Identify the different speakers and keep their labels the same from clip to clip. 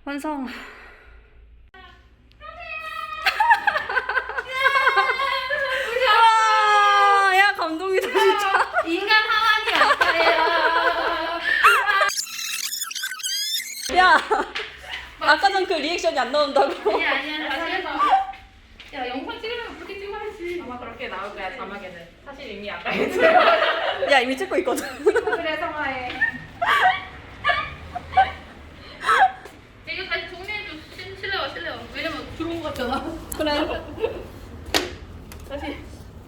Speaker 1: 완성. 와, 야 감동이다 진짜.
Speaker 2: 인간 하완이 왔어요.
Speaker 1: 야, 아까 전 그 리액션이 안 나온다고.
Speaker 2: 아니야 다시 해봐. 야 영상 찍으려면 그렇게 찍어야지.
Speaker 3: 아마 그렇게 나올 거야 자막에는. 사실 이미 아까 했어요.
Speaker 1: 야 이미 찍고 있거든.
Speaker 2: 그래 성화해. 이거 다시 정리해줘. 실례와. 왜냐면 들어온 거 같잖아.
Speaker 1: 그래.
Speaker 2: 다시.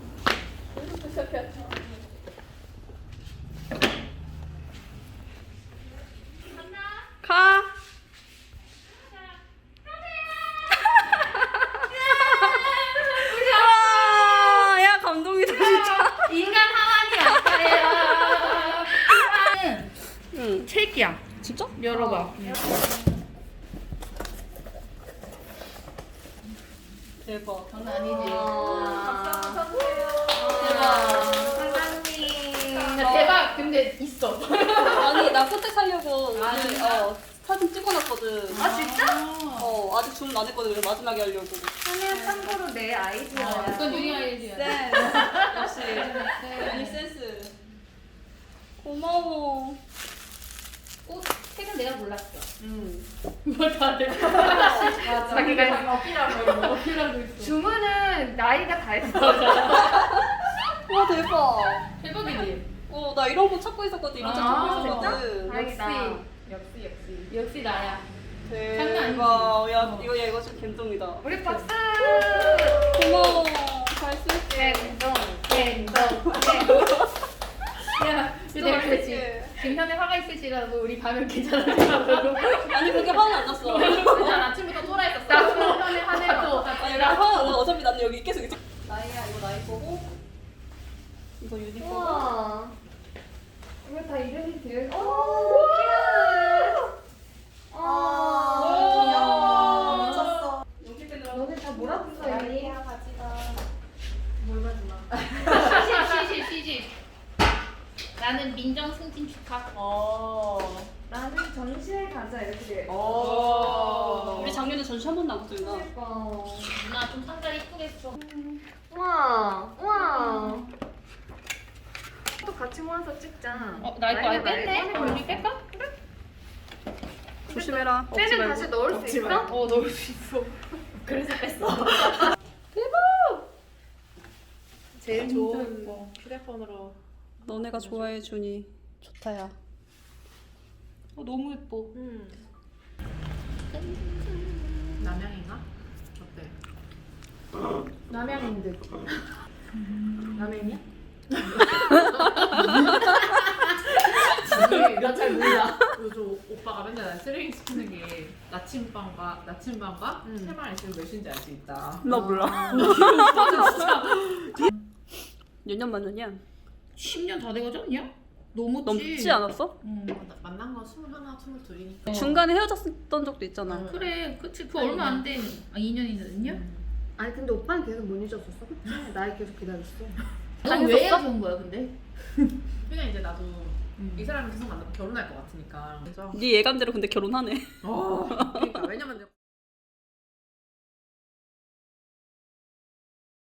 Speaker 1: 가. 와, 야 감동이다 진짜.
Speaker 2: 인간 하완이 왔어요. 하완은
Speaker 1: 응.
Speaker 2: 책이야.
Speaker 1: 진짜?
Speaker 2: 열어봐.
Speaker 1: 대박.
Speaker 2: 장난 아니지.
Speaker 1: 대박.
Speaker 2: 대박. 근데 있어.
Speaker 1: 아니 나 포텍 살려고 오늘 사진 찍어놨거든.
Speaker 2: 아 진짜?
Speaker 1: 아직 주문 안 했거든. 그래서 마지막에 하려고.
Speaker 4: 하면 참고로 내 아이디어야.
Speaker 2: 그건 유리 아이디어야.
Speaker 1: 네. 역시. 언니 센스. 고마워.
Speaker 2: 책은 내가 골랐어.
Speaker 1: 응.
Speaker 2: 뭘 다들.
Speaker 3: 자기가 어필하고 있어.
Speaker 4: 주문은 나이가 다 했어.
Speaker 1: 와 대박.
Speaker 2: 대박이지.
Speaker 1: 나 이런 거 찾고 있었거든. 이런 거 찾고 있었거든.
Speaker 4: 다행이다.
Speaker 2: 역시 나야. 장난
Speaker 1: 대박. 야 이거 좀 감동이다.
Speaker 4: 우리 박수.
Speaker 1: 고마워. 잘 쓸게.
Speaker 4: 갱동.
Speaker 2: 야, 내가 그랬지. 김현에 화가 있으시라고 우리 가면 괜찮아지라고.
Speaker 1: 아니 그게 화는 안 났어.
Speaker 3: 난 아침부터 또라했었어.
Speaker 2: 나도 현에 화내고.
Speaker 1: 아니 나 어차피 나는 여기 계속 있어. 나이야 이거 나이 거고. 이거 유니 거고.
Speaker 4: 우와. 이거 다 이름이 되어 있어. 오, 귀여워.
Speaker 1: 귀여워.
Speaker 4: 미쳤어.
Speaker 1: 용기 팬들
Speaker 4: 너네 다 뭐라고 써? 나이야 가지가.
Speaker 3: 뭘 가지마.
Speaker 2: 시집. 나는 민정 승진 축하.
Speaker 4: 나는 전시회 가자 이렇게 돼.
Speaker 1: 우리 작년에 전시 한 번도 안 갔잖아.
Speaker 4: 그러니까.
Speaker 2: 누나 좀 상자리 이쁘겠어.
Speaker 4: 우와. 또 같이 모아서 찍자.
Speaker 2: 나 이거 아예 뺐네.
Speaker 4: 나이가
Speaker 2: 우리 뺄까?
Speaker 1: 조심해라.
Speaker 4: 쟤는 다시 넣을 수 있어?
Speaker 2: 넣을 수 있어.
Speaker 3: 그래서 뺐어. 제일 좋은 거 휴대폰으로.
Speaker 1: 너네가 좋아해 주니 좋다야.
Speaker 2: 너무 예뻐.
Speaker 3: 남양인가? 어때?
Speaker 4: 남양인 듯.
Speaker 3: 남양이야? 나잘 몰라. 요즘 오빠가 맨날 난 트레이닝 시키는 게 나침반과 새말 있으면 몇인지 알 수 있다.
Speaker 1: 나 몰라. 몇 년 만년이야?
Speaker 2: 10년 다 돼가지 않냐? 넘었지.
Speaker 1: 넘지 않았어?
Speaker 3: 만난 건 21, 22이니까.
Speaker 1: 중간에 헤어졌던 적도 있잖아.
Speaker 2: 그래, 그치. 그 얼마 안 된. 2년이 됐냐?
Speaker 4: 아니 근데 오빠는 계속 못 잊었었어? 그치? 날 계속 기다렸어.
Speaker 2: 넌왜 헤어진 거야, 근데?
Speaker 3: 그냥 이제 나도 이 사람을 계속 만나면 결혼할 것 같으니까. 그래서
Speaker 1: 네 예감대로 근데 결혼하네.